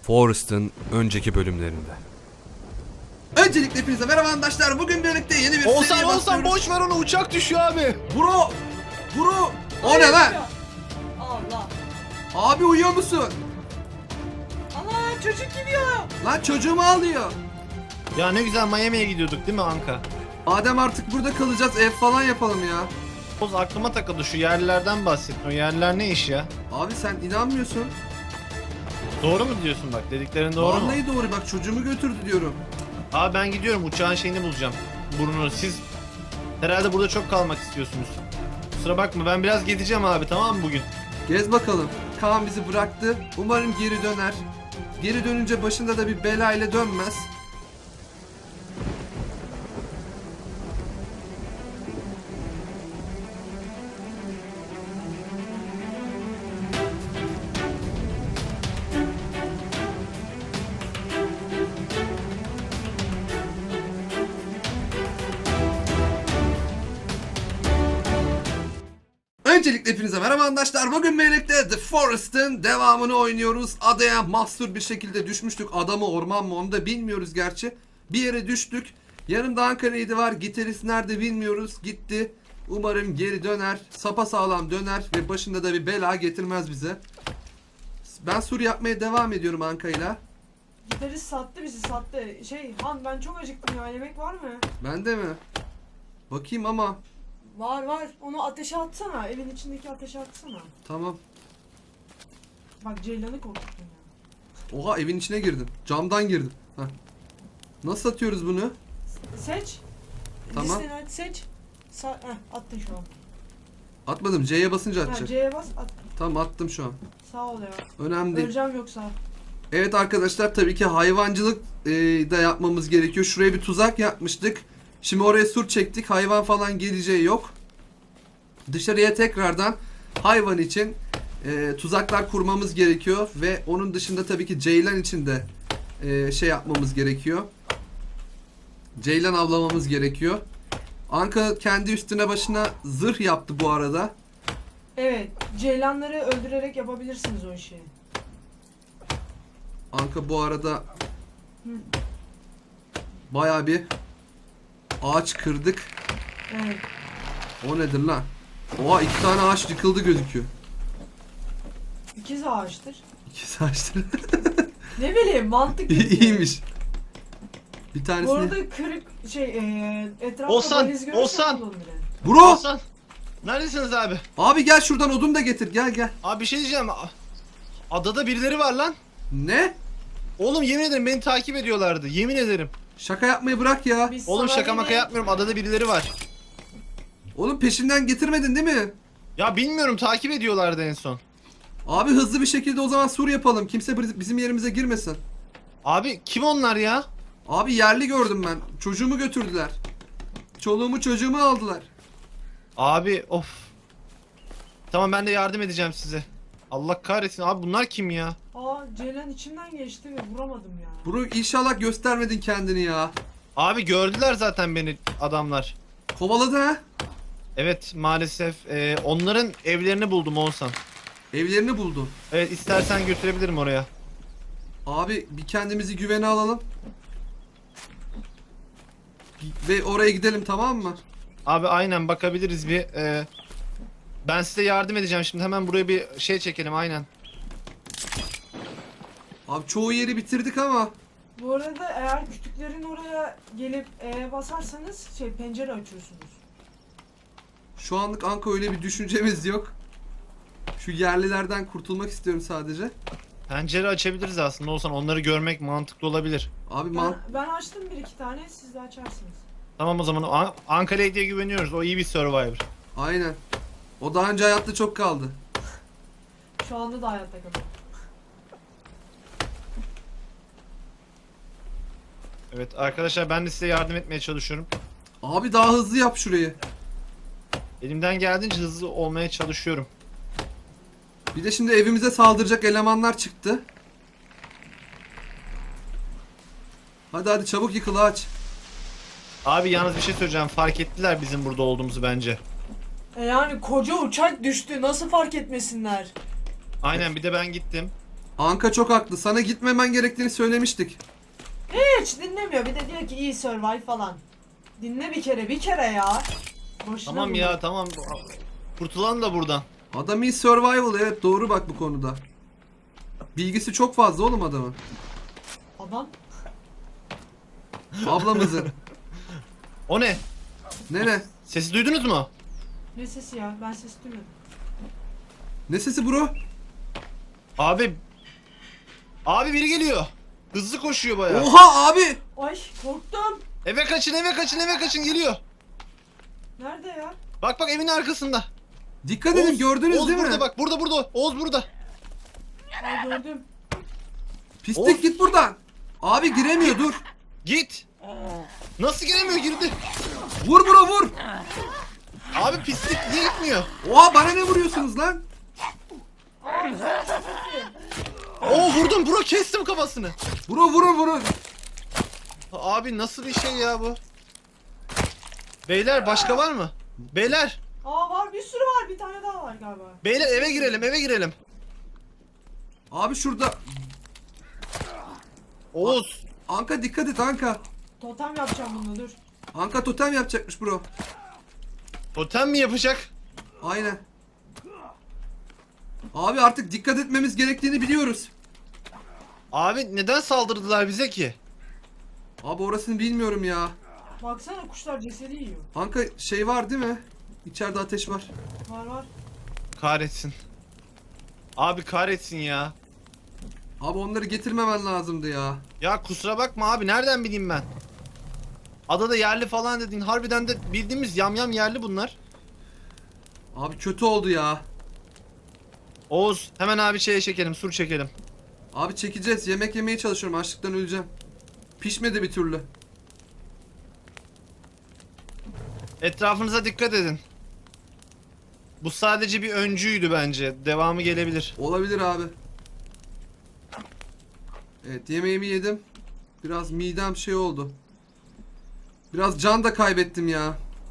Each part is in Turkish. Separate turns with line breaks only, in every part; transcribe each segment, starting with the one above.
Forrest'ın önceki bölümlerinde.
Öncelikle hepinize merhaba arkadaşlar. Bugün birlikte yeni bir seriye başlıyoruz.
Olsan boş ver onu, uçak düşüyor abi.
Bro! O ne lan?
Allah.
Abi uyuyor musun?
Allah, çocuk gidiyor.
Lan çocuğumu alıyor.
Ya ne güzel Miami'ye gidiyorduk değil mi Anka?
Adem artık burada kalacağız, ev falan yapalım ya.
Oz aklıma takıldı, şu yerlilerden bahsettin. O yerliler ne iş ya?
Abi sen inanmıyorsun.
Doğru mu diyorsun, bak dediklerin doğru mu?
Vallahi doğru, bak çocuğumu götürdü diyorum.
Abi ben gidiyorum, uçağın şeyini bulacağım. Burnunu. Siz herhalde burada çok kalmak istiyorsunuz. Kusura bakma, ben biraz gezeceğim abi, tamam mı bugün?
Gez bakalım. Kaan bizi bıraktı. Umarım geri döner. Geri dönünce başında da bir bela ile dönmez. Öncelikle hepinize merhaba arkadaşlar. Bugün birlikte The Forest'ın devamını oynuyoruz. Adaya mahsur bir şekilde düşmüştük. Ada mı orman mı onu da bilmiyoruz gerçi. Bir yere düştük. Yanımda Ankara'ydı var. Gitarist nerede bilmiyoruz. Gitti. Umarım geri döner. Sapasağlam döner ve başında da bir bela getirmez bize. Ben sur yapmaya devam ediyorum Anka'yla.
Gitarist sattı bizi, sattı. Han, ben çok acıktım ya, yemek var mı?
Bende mi? Bakayım ama.
Var. Onu ateşe atsana. Evin içindeki ateşe atsana.
Tamam.
Bak, Ceylan'ı korkuttun ya.
Oha, evin içine girdim. Camdan girdim. Heh. Nasıl atıyoruz bunu?
Seç.
Tamam.
Listeni aç, seç. Attın şu an.
Atmadım. C'ye basınca
Ha,
atacak.
C'ye bas, at.
Tamam, attım şu an.
Sağ ol ya.
Önemli değil.
Öleceğim yoksa.
Evet arkadaşlar, tabii ki hayvancılık da yapmamız gerekiyor. Şuraya bir tuzak yapmıştık. Şimdi oraya sur çektik. Hayvan falan geleceği yok. Dışarıya tekrardan hayvan için tuzaklar kurmamız gerekiyor. Ve onun dışında tabii ki ceylan için de şey yapmamız gerekiyor. Ceylan avlamamız gerekiyor. Anka kendi üstüne başına zırh yaptı bu arada.
Evet, Ceylanları öldürerek yapabilirsiniz o işi.
Anka bu arada bayağı bir ağaç kırdık.
Evet.
O nedir lan? Oha, 2 tane ağaç yıkıldı gözüküyor.
İkiz ağaçtır.
2 ağaçtır.
Ne bileyim, mantık.
İyiymiş. Bir
Bu
tanesini...
arada kırık etrafta
Olsan,
valiz görürsen
Olsan.
kullanın bile.
Bro!
Olsan, neredesiniz abi?
Abi gel şuradan odun da getir, gel.
Abi bir şey diyeceğim. Adada birileri var lan.
Ne?
Oğlum yemin ederim beni takip ediyorlardı. Yemin ederim.
Şaka yapmayı bırak ya.
Biz
Oğlum
sana
şaka maka
yine-
yapmıyorum. Adada birileri var.
Oğlum peşinden getirmedin değil mi?
Ya bilmiyorum, takip ediyorlardı en son.
Abi hızlı bir şekilde o zaman sur yapalım. Kimse bizim yerimize girmesin.
Abi kim onlar ya?
Abi yerli gördüm ben. Çocuğumu götürdüler. Çoluğumu çocuğumu aldılar.
Abi of. Tamam, ben de yardım edeceğim size. Allah kahretsin abi, bunlar kim ya?
Aa, Ceylan içimden geçti ve vuramadım ya.
Bro, inşallah göstermedin kendini ya.
Abi gördüler zaten beni adamlar.
Kovaladı ha.
Evet maalesef onların evlerini buldum Oğuzhan.
Evlerini buldu.
Evet, istersen götürebilirim oraya.
Abi bir kendimizi güvene alalım. Ve oraya gidelim, tamam mı?
Abi aynen bakabiliriz bir. Ben size yardım edeceğim şimdi, hemen buraya bir şey çekelim aynen.
Abi çoğu yeri bitirdik ama.
Bu arada eğer kütüklerin oraya gelip basarsanız pencere açıyorsunuz.
Şu anlık Anka öyle bir düşüncemiz yok. Şu yerlilerden kurtulmak istiyorum sadece.
Pencere açabiliriz aslında Oğuzhan, onları görmek mantıklı olabilir.
Abi
Ben açtım bir iki tane, siz de açarsınız.
Tamam o zaman, Ankara'ya diye güveniyoruz, o iyi bir survivor.
aynen. O daha önce hayatta çok kaldı.
Şu anda da hayatta kalıyor.
Evet arkadaşlar, ben de size yardım etmeye çalışıyorum.
Abi daha hızlı yap şurayı.
Elimden geldiğince hızlı olmaya çalışıyorum.
Bir de şimdi evimize saldıracak elemanlar çıktı. Hadi çabuk yıkıl ağaç.
Abi yalnız bir şey söyleyeceğim, fark ettiler bizim burada olduğumuzu bence.
Yani koca uçak düştü, nasıl fark etmesinler?
Aynen, bir de ben gittim.
Anka çok haklı. Sana gitmemen gerektiğini söylemiştik.
Hiç dinlemiyor. Bir de diyor ki iyi survive falan. Dinle bir kere ya. Boşuna
Tamam
bunlar.
ya tamam. Kurtulan da buradan.
Adam iyi survival, evet doğru bak bu konuda. Bilgisi çok fazla oğlum adamın.
Adam.
Ablamızın.
O ne?
Ne?
Sesi duydunuz mu?
Ne sesi ya? Ben ses duymadım.
Ne sesi bro?
Abi. Abi biri geliyor. Hızlı koşuyor bayağı.
Oha abi!
Ay korktum.
Eve kaçın eve kaçın eve kaçın geliyor.
Nerede ya?
Bak bak evin arkasında.
Dikkat edin, gördünüz
Oğuz
değil
burada
mi?
bak burada Oğuz burada.
Ay gördüm.
Pislik
Of.
git buradan. Abi giremiyor, dur.
Git. Nasıl giremiyor girdi.
Vur bro vur.
Abi pislik niye gitmiyor?
Oha bana ne vuruyorsunuz lan?
Oo vurdum bro kestim kafasını.
Bro vurun.
Abi nasıl bir şey ya bu? Beyler başka var mı? Beyler.
Aa var, bir sürü var. Bir tane daha var galiba.
Beyler eve girelim.
Abi şurada.
Oğuz.
Anka dikkat et Anka.
Totem yapacağım bunu, dur.
Anka totem yapacakmış bro.
Totem mi yapacak?
Aynen. Abi artık dikkat etmemiz gerektiğini biliyoruz.
Abi neden saldırdılar bize ki?
Abi orasını bilmiyorum ya.
Baksana kuşlar cesedi yiyor.
Anka şey var değil mi? İçeride ateş var.
Var.
Kahretsin. Abi kahretsin ya.
Abi onları getirmemen lazımdı ya.
Ya kusura bakma abi nereden bileyim ben? Adada yerli falan dedin. Harbiden de bildiğimiz yamyam yerli bunlar.
Abi kötü oldu ya.
Oğuz hemen abi şeye çekelim, sur çekelim.
Abi çekeceğiz. Yemek yemeye çalışıyorum. Açlıktan öleceğim. Pişmedi bir türlü.
Etrafınıza dikkat edin. Bu sadece bir öncüydü bence. Devamı gelebilir.
Olabilir abi. Evet, yemeğimi yedim. Biraz midem şey oldu. Biraz can da kaybettim ya.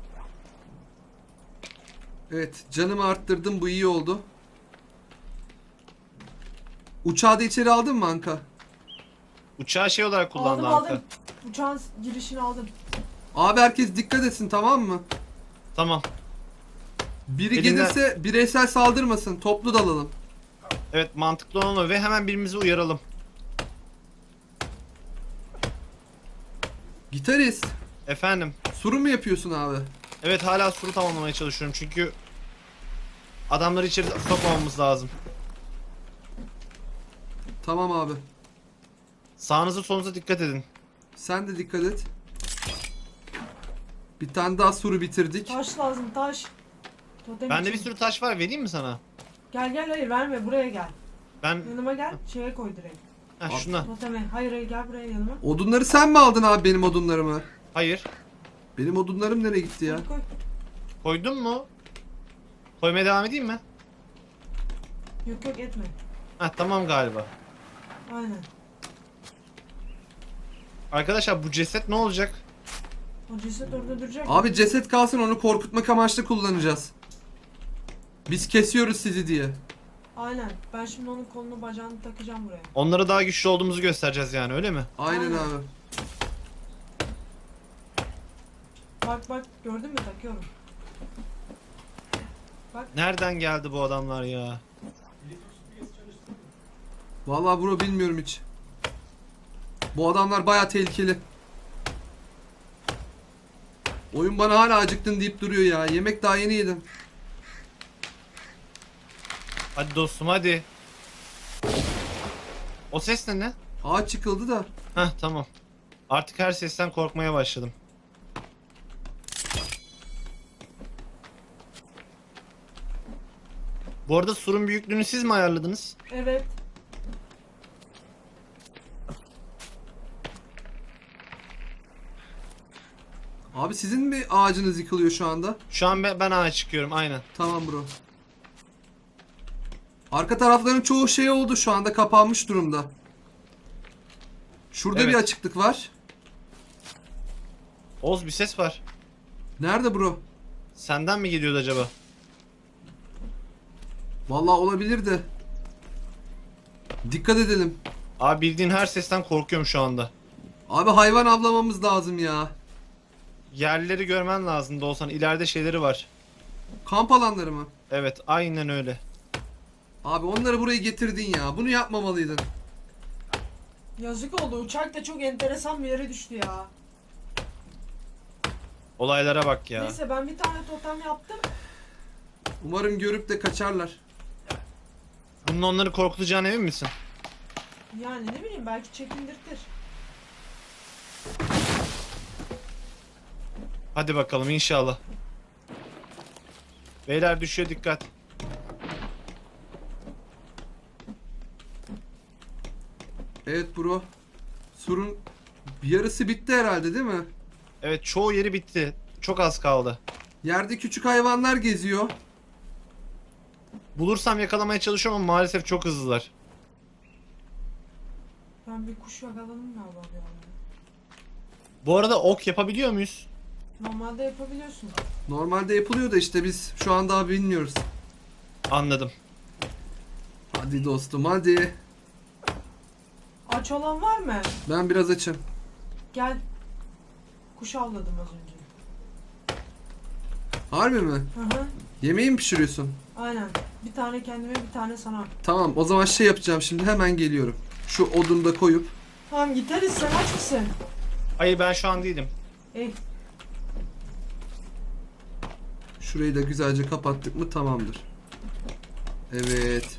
Evet, canımı arttırdım, bu iyi oldu. Uçağı da içeri aldın mı Anka?
Uçağı şey olarak kullandı
Aldım.
Anka.
Uçağın girişini aldım.
Abi herkes dikkat etsin, tamam mı?
Tamam.
Biri
Elinden-
gelirse bireysel saldırmasın, toplu dalalım.
Evet mantıklı olan o ve hemen birbirimizi uyaralım.
Gitarist,
Efendim.
suru mu yapıyorsun abi?
Evet hala suru tamamlamaya çalışıyorum çünkü adamları içeri sokmamamız lazım.
Tamam abi.
Sağınıza solunuza dikkat edin.
Sen de dikkat et. Bir Bir tane daha suru bitirdik.
Taş lazım, taş. Totem
Bende bir
için.
sürü taş var, vereyim mi sana?
Gel hayır verme, buraya gel.
Ben
Yanıma gel, şeye koy direkt.
şuna.
Toteme. Hayır gel buraya yanıma.
Odunları sen mi aldın abi, benim odunlarımı?
Hayır.
Benim odunlarım nereye gitti ya?
Koy.
Koydun mu? Koymaya devam edeyim mi?
Yok etme.
Heh tamam galiba.
Aynen.
Arkadaşlar bu ceset ne olacak?
O ceset orada duracak.
Abi ceset kalsın, onu korkutmak amaçlı kullanacağız. Biz kesiyoruz sizi diye.
Aynen. Ben şimdi onun kolunu bacağını takacağım buraya.
Onlara daha güçlü olduğumuzu göstereceğiz yani, öyle mi?
Aynen
Aynen.
abi.
Bak gördün mü, takıyorum.
Nereden geldi bu adamlar ya?
Vallahi bro bilmiyorum hiç. Bu adamlar baya tehlikeli. Oyun bana hala acıktın deyip duruyor ya. Yemek daha yeni yedim.
Hadi dostum hadi. O ses ne?
Ağaç çıkıldı da.
Heh tamam. Artık her sesten korkmaya başladım. Bu arada surun büyüklüğünü siz mi ayarladınız?
Evet.
Abi sizin mi ağacınız yıkılıyor şu anda?
Şu an ben ağa çıkıyorum aynen.
Tamam bro. Arka tarafların çoğu şey oldu, şu anda kapanmış durumda. Şurada
Evet.
bir açıklık var.
Oğuz bir ses var.
Nerede bro?
Senden mi geliyordu acaba?
Vallahi olabilir de. Dikkat edelim.
Abi bildiğin her sesten korkuyorum şu anda.
Abi hayvan avlamamız lazım ya.
Yerleri görmen lazım da olsan ileride şeyleri var.
Kamp alanları mı?
Evet aynen öyle.
Abi onları buraya getirdin ya. Bunu yapmamalıydın.
Yazık oldu. Uçak da çok enteresan bir yere düştü ya.
Olaylara bak ya.
Neyse ben bir tane totem yaptım.
Umarım görüp de kaçarlar.
Bunun onları korkutacağına emin misin?
Yani ne bileyim belki çekindirtir.
Hadi bakalım inşallah. Beyler düşüyor, dikkat.
Evet bro. Surun bir yarısı bitti herhalde değil mi?
Evet çoğu yeri bitti. Çok az kaldı.
Yerde küçük hayvanlar geziyor.
Bulursam yakalamaya çalışıyorum ama maalesef çok hızlılar.
Ben bir kuş yakaladım galiba bir anda.
Bu arada ok yapabiliyor muyuz?
Normalde yapabiliyorsun.
Normalde yapılıyor da işte biz şu an daha bilmiyoruz.
Anladım.
Hadi dostum hadi.
Aç olan var mı?
Ben biraz açım.
Gel. Kuş avladım az önce.
Harbi mi?
Hı hı.
Yemeği mi pişiriyorsun?
Aynen. Bir tane kendime bir tane sana.
Tamam o zaman şey yapacağım şimdi hemen geliyorum. Şu odunu da koyup.
Tamam gideriz sen aç mısın?
Hayır ben şu an değilim.
Ey.
Şurayı da güzelce kapattık mı tamamdır. Evet.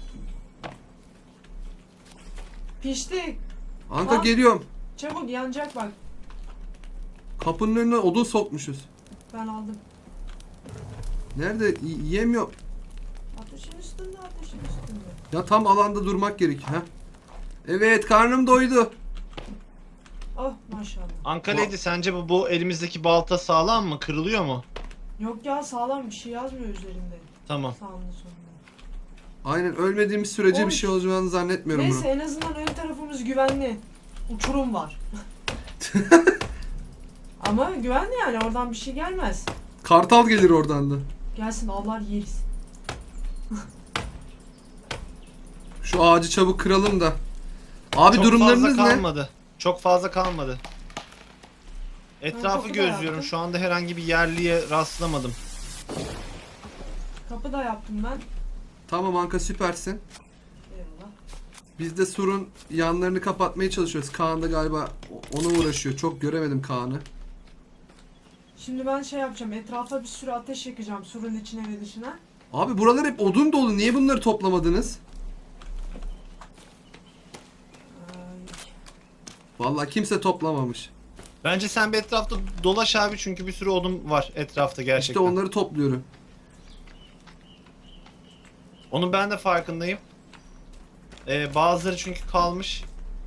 Pişti.
Anka
Tamam.
geliyorum.
Çabuk yanacak bak.
Kapının önüne odun sokmuşuz.
Ben aldım.
Nerede? Yiyemiyor.
Ateşin üstünde ateşin üstünde.
Ya tam alanda durmak gerekiyor. Ha? Evet karnım doydu.
Oh maşallah.
Ankara'ydı, sence bu elimizdeki balta sağlam mı? Kırılıyor mu?
Yok ya sağlam bir şey yazmıyor üzerinde.
Tamam.
Sağında sonunda.
Aynen ölmediğimiz sürece
Oy.
bir şey olacağını zannetmiyorum
Neyse
bunu.
en azından ön tarafımız güvenli. Uçurum var. Ama güvenli yani oradan bir şey gelmez.
Kartal gelir oradan da.
Gelsin avlar yeriz.
Şu ağacı çabuk kıralım da. Abi
Çok
durumlarınız
fazla
ne?
kalmadı. Çok fazla kalmadı. Etrafı
kapı da
gözlüyorum.
yaptım.
Şu anda herhangi bir yerliye rastlamadım.
Kapı da yaptım ben.
Tamam Anka süpersin.
Eyvallah.
Biz de surun yanlarını kapatmaya çalışıyoruz. Kaan da galiba ona uğraşıyor. Çok göremedim Kaan'ı.
Şimdi ben şey yapacağım. Etrafa bir sürü ateş yakacağım surun içine ve dışına.
Abi buralar hep odun dolu. Niye bunları toplamadınız?
Ay,
Vallahi kimse toplamamış.
Bence sen bir etrafta dolaş abi, çünkü bir sürü odun var etrafta gerçekten.
İşte onları topluyorum.
Onun ben de farkındayım. Bazıları çünkü kalmış.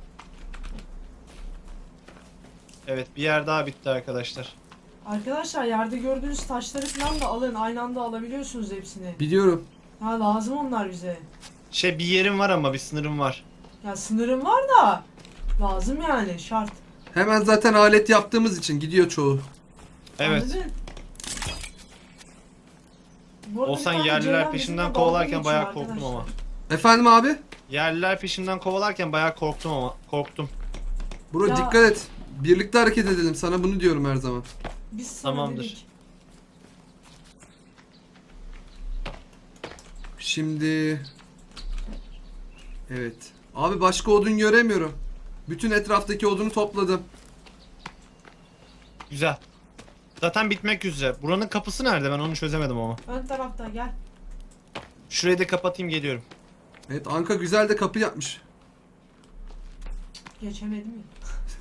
Evet, bir yer daha bitti arkadaşlar.
Arkadaşlar yerde gördüğünüz taşları falan da alın. Aynı anda alabiliyorsunuz hepsini.
Biliyorum.
Ha lazım onlar bize.
Bir yerim var ama bir sınırım var.
Ya sınırım var da lazım yani şart.
Hemen zaten alet yaptığımız için gidiyor çoğu.
Evet.
Anladın? Bu arada
Olsan
bir tane
yerliler
ceylan
peşimden
bizimle
kovalarken
dalga
bayağı
geçiyor
korktum ama.
arkadaşlar.
Efendim abi?
Yerliler peşimden kovalarken bayağı korktum.
Bro
Ya-
dikkat et. Birlikte hareket edelim. Sana bunu diyorum her zaman.
Biz sana
Tamamdır.
dedik.
Şimdi... Evet. Abi başka odun göremiyorum. Bütün etraftaki odunu topladım.
Güzel. Zaten bitmek üzere. Buranın kapısı nerede? Ben onu çözemedim ama.
Ön tarafta gel.
Şurayı da kapatayım, geliyorum.
Evet Anka güzel de kapı yapmış.
Geçemedim ya.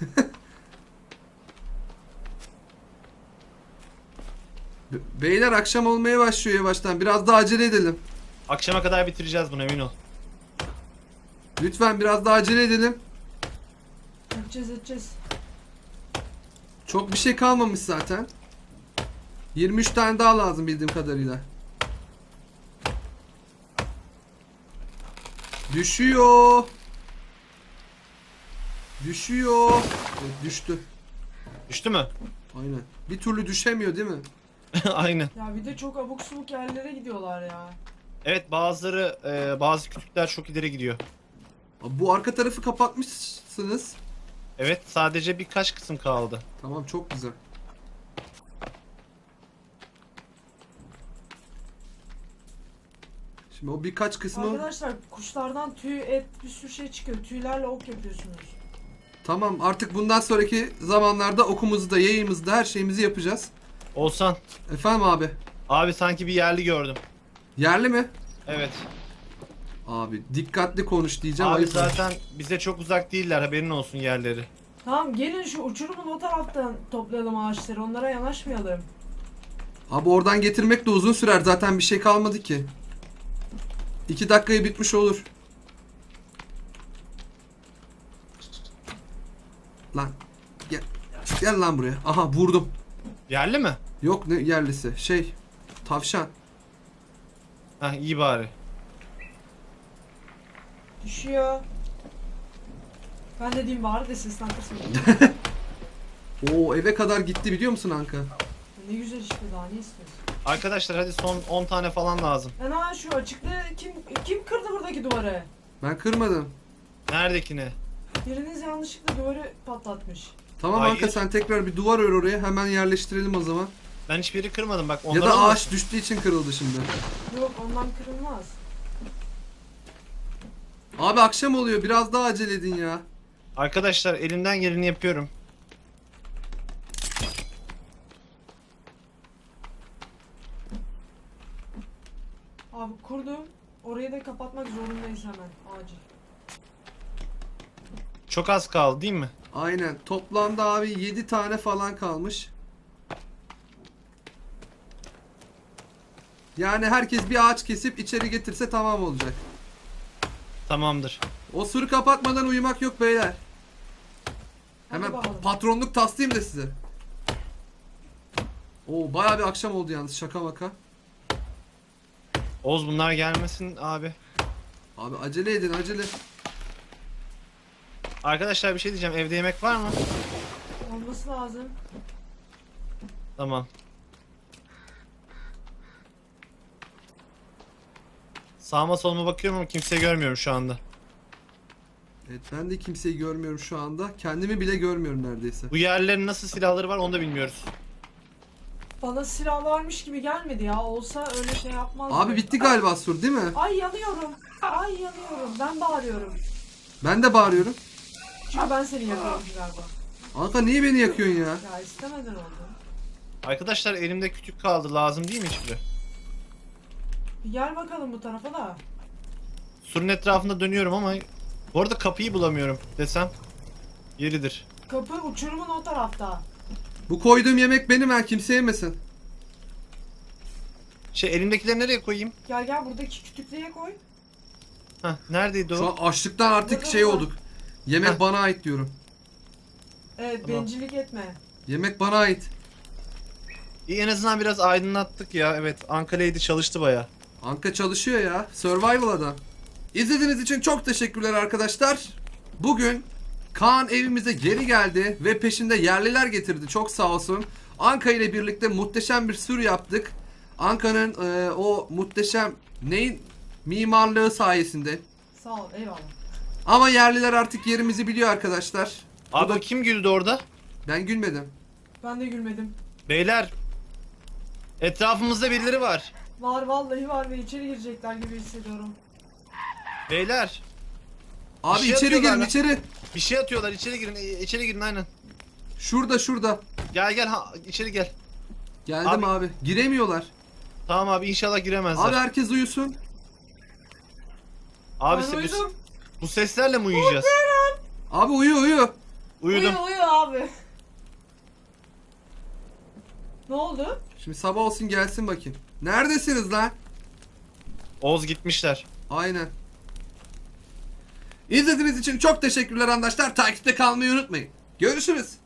Beyler akşam olmaya başlıyor yavaştan. Biraz daha acele edelim.
Akşama kadar bitireceğiz bunu, emin ol.
Lütfen biraz daha acele edelim.
Edeceğiz.
Çok bir şey kalmamış zaten. 23 tane daha lazım bildiğim kadarıyla. Düşüyor. Düşüyor. Evet, düştü.
Düştü mü?
Aynen. Bir türlü düşemiyor değil mi?
Aynen.
Ya bir de çok abuk subuk yerlere gidiyorlar ya.
Evet, bazı kütükler çok ileri gidiyor.
Abi bu arka tarafı kapatmışsınız.
Evet, sadece birkaç kısım kaldı.
Tamam, çok güzel. Şimdi o birkaç kısmı...
Arkadaşlar kuşlardan tüy, et, bir sürü şey çıkıyor. Tüylerle ok yapıyorsunuz.
Tamam, artık bundan sonraki zamanlarda okumuzu da yayımızı da her şeyimizi yapacağız.
Olsan,
Efendim abi.
abi sanki bir yerli gördüm.
Yerli mi?
Evet.
Abi dikkatli konuş diyeceğim.
Abi
ayıp var.
zaten bize çok uzak değiller, haberin olsun yerleri.
Tamam gelin şu uçurumun o taraftan toplayalım ağaçları. Onlara yanaşmayalım.
Abi oradan getirmek de uzun sürer. Zaten bir şey kalmadı ki. 2 dakikaya bitmiş olur. Lan. Gel. Gel lan buraya. Aha vurdum.
Yerli mi?
Yok ne yerlisi. Şey. Tavşan.
Heh, iyi bari.
Düşüyor. Ben de diyeyim bari de seslendirsin.
Oo, eve kadar gitti biliyor musun Anka?
Ne güzel işte, daha ne istiyorsun?
Arkadaşlar hadi son 10 tane falan lazım.
Ana şu açıklığı kim kırdı buradaki duvarı?
Ben kırmadım.
Neredekine?
Biriniz yanlışlıkla duvarı patlatmış.
Tamam
Hayır.
Anka, sen tekrar bir duvar ör oraya. Hemen yerleştirelim o zaman.
Ben hiçbir yeri kırmadım bak.
Ya
Onları
da
alma.
ağaç düştüğü için kırıldı şimdi.
Yok ondan kırılmaz.
Abi akşam oluyor. Biraz daha acele edin ya.
Arkadaşlar elimden geleni yapıyorum.
Abi kurdum. Orayı da kapatmak zorundayız hemen. Acil.
Çok az kaldı değil mi?
Aynen. Toplamda abi 7 tane falan kalmış. Yani herkes bir ağaç kesip içeri getirse tamam olacak.
Tamamdır.
O sürü kapatmadan uyumak yok beyler.
Hadi
Hemen
bakalım.
patronluk taslayayım da size. Oo, bayağı bir akşam oldu yalnız, şaka maka.
Oğuz bunlar gelmesin abi.
Abi acele edin, acele.
Arkadaşlar bir şey diyeceğim. Evde yemek var mı?
Olması lazım.
Tamam. Sağıma soluma bakıyorum ama kimseyi görmüyorum şu anda.
Evet, ben de kimseyi görmüyorum şu anda. Kendimi bile görmüyorum neredeyse.
Bu yerlerin nasıl silahları var onu da bilmiyoruz.
Bana silah varmış gibi gelmedi ya. Olsa öyle şey yapmazdı.
Abi bitti galiba sur, değil mi?
Ay yanıyorum. Ay yanıyorum. Ben bağırıyorum.
Ben de bağırıyorum.
Çünkü ben seni yakıyorum galiba.
Anka niye beni yakıyorsun ya?
Ya istemeden oldu.
Arkadaşlar elimde kütük kaldı. Lazım değil mi hiçbiri?
Bir gel bakalım bu tarafa da.
Surun etrafında dönüyorum ama bu arada kapıyı bulamıyorum desem yeridir.
Kapı uçurumun o tarafta.
Bu koyduğum yemek benim, ha, kimse yemesin.
Şey elimdekileri nereye koyayım?
Gel gel buradaki kütüklüğe koy.
Heh, neredeydi
Şu
o?
an açlıktan artık
Burada,
şey
burada.
olduk. Yemek
Heh.
bana ait diyorum.
Evet
Tamam.
bencillik etme.
Yemek bana ait.
İyi, en azından biraz aydınlattık ya. Evet, Ankara'ydı, çalıştı baya.
Anka çalışıyor ya. Survival adam. İzlediğiniz için çok teşekkürler arkadaşlar. Bugün Kaan evimize geri geldi ve peşinde yerliler getirdi. Çok sağ olsun. Anka ile birlikte muhteşem bir sür yaptık. Anka'nın o muhteşem neyin mimarlığı sayesinde.
Sağ ol eyvallah.
Ama yerliler artık yerimizi biliyor arkadaşlar. Bu
Abi
da-
kim güldü orada?
Ben gülmedim.
Ben de gülmedim.
Beyler, etrafımızda birileri var.
Var vallahi var ve içeri girecekler gibi hissediyorum.
Beyler,
Abi
şey
içeri
yapıyorlar
girin,
lan.
içeri.
bir şey atıyorlar. İçeri girin, içeri girin aynen.
Şurada, şurada.
Gel gel, içeri gel.
Geldim abi. Giremiyorlar.
Tamam abi, inşallah giremezler.
Abi herkes uyusun.
Abi
Ben
bu,
uyudum.
bu seslerle mi uyuyacağız?
Abi uyu uyu.
Uyudum.
Uyu abi. Ne oldu?
Şimdi sabah olsun gelsin bakayım. Neredesiniz lan?
Oğuz gitmişler.
Aynen. İzlediğiniz için çok teşekkürler arkadaşlar. Takipte kalmayı unutmayın. Görüşürüz.